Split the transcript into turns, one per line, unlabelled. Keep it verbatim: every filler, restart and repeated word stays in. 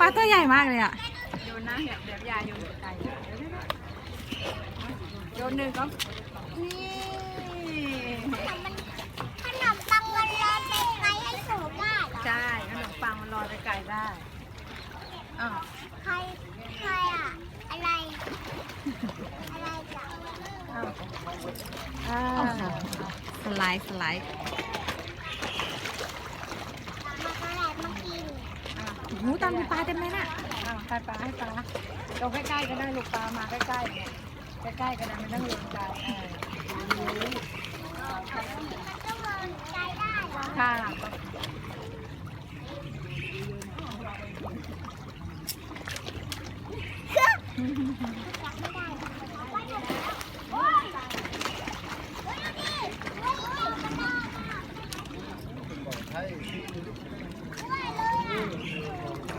าตัวใหญ่มากเลยอ่ะ
โยนนะเดี๋ยวเดี๋ยวยาโยนไก่โยนหนึ่งก็นี่
ขนมปังมันลอยไปไกลให้สูงได้เหรอ
ใช่ขนมปังมันลอยไปไก่ได้อ้าว
ใครใครอะอะไรอะไรจ้ะ
อ้าวอ้า
โอ้
ว
โหสไลด์สไลด์
มาก็แหลมากิน
โอ้โหตอนมีปลาเต็มเลยน่ะ
อ้าวให้ปลาให้ปลาลงใกล้ๆก็ได้ลูกปลามาใกล้ๆเนี่ยใกล้ๆก็ได้ไม่ต้องลงไกลเออ
มันก็มองใจได้เหรอ
ค่ะ